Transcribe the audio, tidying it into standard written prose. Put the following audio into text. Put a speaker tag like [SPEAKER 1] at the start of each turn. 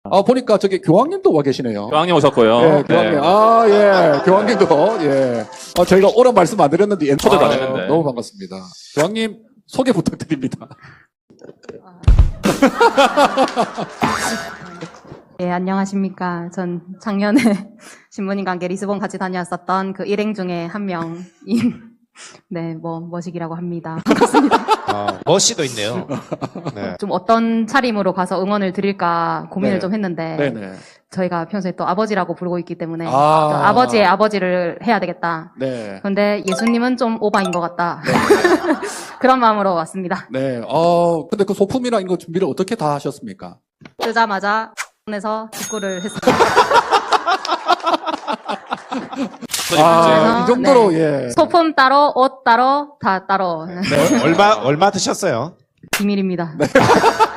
[SPEAKER 1] 보니까 저기 교황님도 와 계시네요.
[SPEAKER 2] 교황님 오셨고요.
[SPEAKER 1] 예, 교황님. 예, 교황님도, 예. 저희가 오랜 말씀 안 드렸는데,
[SPEAKER 2] 초대도 안 했는데.
[SPEAKER 1] 너무 반갑습니다. 교황님, 소개 부탁드립니다.
[SPEAKER 3] 예, 안녕하십니까. 전 작년에 신부님과 함께 리스본 같이 다녀왔었던 그 일행 중에 한 명인, 네, 머식이라고 합니다. 반갑습니다.
[SPEAKER 4] 머시도 있네요. 네.
[SPEAKER 3] 좀 어떤 차림으로 가서 응원을 드릴까 고민을
[SPEAKER 1] 네.
[SPEAKER 3] 좀 했는데,
[SPEAKER 1] 네네.
[SPEAKER 3] 저희가 평소에 또 아버지라고 부르고 있기 때문에, 또
[SPEAKER 1] 아.
[SPEAKER 3] 아버지의 아버지를 해야 되겠다.
[SPEAKER 1] 네.
[SPEAKER 3] 그런데 예수님은 좀 오바인 것 같다.
[SPEAKER 1] 네.
[SPEAKER 3] 그런 마음으로 왔습니다.
[SPEAKER 1] 네. 근데 그 소품이랑 이거 준비를 어떻게 다 하셨습니까?
[SPEAKER 3] 뜨자마자 에서 직구를 했습니다.
[SPEAKER 1] 이 정도로,
[SPEAKER 3] 네.
[SPEAKER 1] 예.
[SPEAKER 3] 소품 따로, 옷 따로, 다 따로.
[SPEAKER 4] 얼마 드셨어요?
[SPEAKER 3] 비밀입니다.